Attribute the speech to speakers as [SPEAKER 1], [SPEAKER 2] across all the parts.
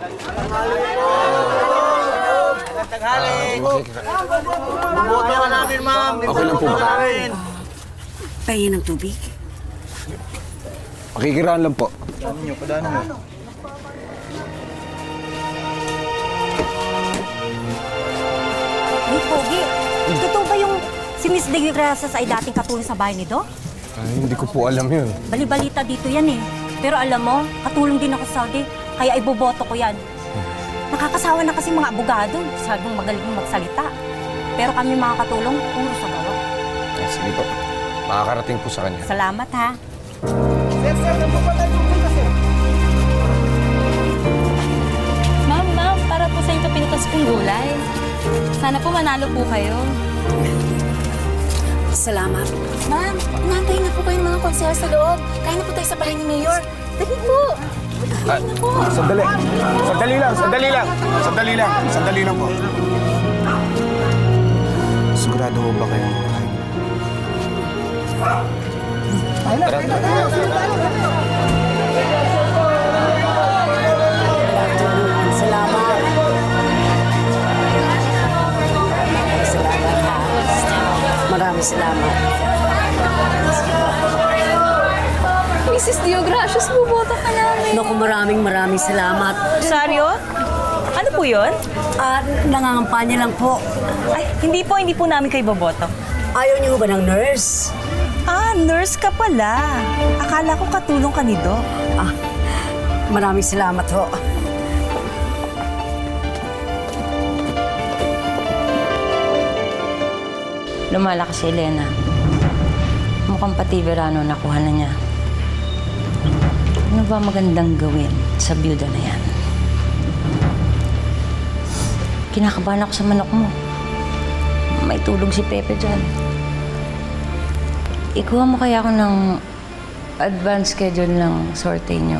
[SPEAKER 1] Taghali. Bumoto ka namin, ma'am.
[SPEAKER 2] Okay lang po ba?
[SPEAKER 3] Pahingi ng tubig.
[SPEAKER 2] Makikiraan lang po.
[SPEAKER 4] Hey, Pogi, totoo ba yung si Miss De Grasas ay dating katulong sa bahay ni Doc?
[SPEAKER 2] Ay, hindi ko po alam yun.
[SPEAKER 4] Bali-balita dito yan eh. Pero alam mo, katulong din ako sa Saudi, kaya iboboto ko yan. Nakakasawa na kasi mga abogado, masyadong magaling magsalita. Pero kami mga katulong, puro sa gawa.
[SPEAKER 2] Ay, sige po. Makakarating po sa kanya.
[SPEAKER 4] Salamat ha.
[SPEAKER 5] Ma'am, para po sa inyo pinitas kong gulay. Sana po manalo po kayo.
[SPEAKER 3] Salamat.
[SPEAKER 5] Ma'am, nantayin na po kayo ng mga konsehal sa loob. Kaya na po tayo sa bahay ni Mayor. Dali po.
[SPEAKER 2] Sandali. Sandali lang, sandali lang. Sandali lang, sandali lang po. Sigurado mo ba kayo?
[SPEAKER 3] Salamat. Salamat ha. Maraming salamat.
[SPEAKER 5] Mrs. Diogracious, buboto ka namin.
[SPEAKER 3] Naku, maraming salamat.
[SPEAKER 4] Rosario? Ano po yun?
[SPEAKER 3] Nangangampanya lang po.
[SPEAKER 4] Ay, hindi po namin kayo boboto.
[SPEAKER 3] Ayaw niyo ba ng nurse?
[SPEAKER 4] Ah, nurse ka pala. Akala ko katulong ka ni Doc.
[SPEAKER 3] Maraming salamat ho.
[SPEAKER 6] Lumalakas si Elena. Mukhang pati Verano nakuha na niya. Ano ba magandang gawin sa byuda na yan? Kinakabahan ako sa manok mo. May tulog si Pepe dyan. Ikuha mo kaya ako ng advance schedule ng sorte niyo.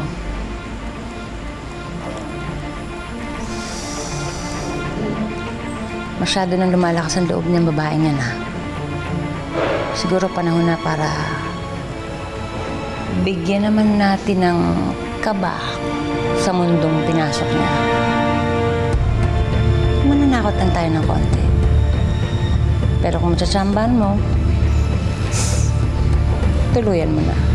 [SPEAKER 6] Masyado nang lumalakas ang loob ng babae niya na. Siguro panahon na para bigyan naman natin ng kaba sa mundong pinasok niya. Mananakot lang tayo ng konti. Pero kung matsatsambahan mo, tuluyan mo na.